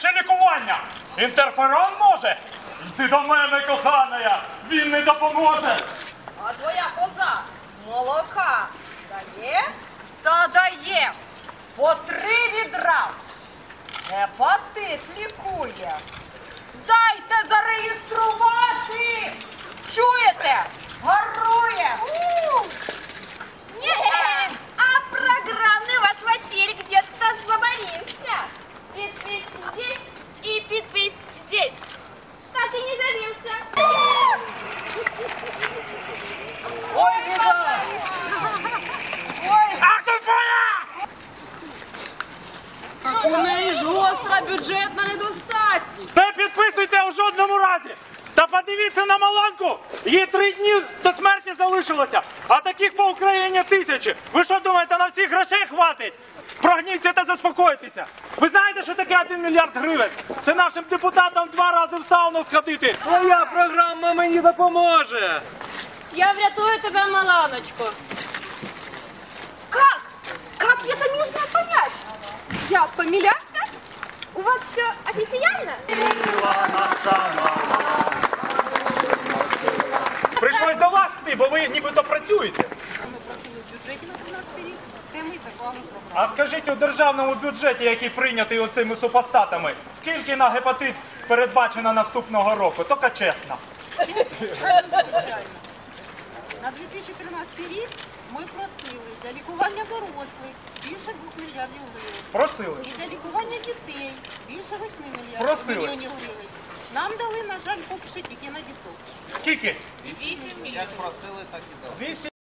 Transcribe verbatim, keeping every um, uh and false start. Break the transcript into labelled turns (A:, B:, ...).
A: найшвидше лікування. Інтерферон може? Йди до мене, коханая, він не допоможе.
B: А твоя коза молока дає? Та дає. По три відра. Гепатит лікує. Дайте зареєструвати. Чуєте? Гарує.
C: Не, а программный ваш Василий где-то заморился. Подпись здесь и подпись здесь. Так и не завелся.
D: Ой, беда!
B: Ой,
A: Ах ти твоя!
B: у неї ж гостра бюджетна недостатність.
A: Не підписуйте у жодному разі. Та подивіться на Маланку. Їй три дні до смерті залишилося. А таких по Україні тисячі. Ви що думаєте, на всіх грошей хватить? Прогніться та заспокойтеся. Ви знаєте, що таке один мільярд гривень? Це нашим депутатам два рази в сауну сходити.
D: Твоя програма мені допоможе!
C: Я врятую тебя, Маланочку. Как? Как это нужно понять? Я помилялся? У вас все официально?
A: Прийшлось до вас йти, бо ви нібито працюєте.
E: Ми просили в бюджеті на тринадцятий рік, де ми заклали програму.
A: А скажіть, у державному бюджеті, який прийнятий оцими супостатами, скільки на гепатит передбачено наступного року? Тільки чесно.
E: Звичайно. На дві тисячі тринадцятий рік ми просили для лікування дорослих більше двох мільярдів гривень.
A: Просили.
E: І для лікування дітей більше восьми мільярдів
A: Просили.
E: мільйонів гривень. Нам дали, на жаль, поки що тільки на діток.
A: Скільки?
D: Як просили, так і дали.
A: Вісім.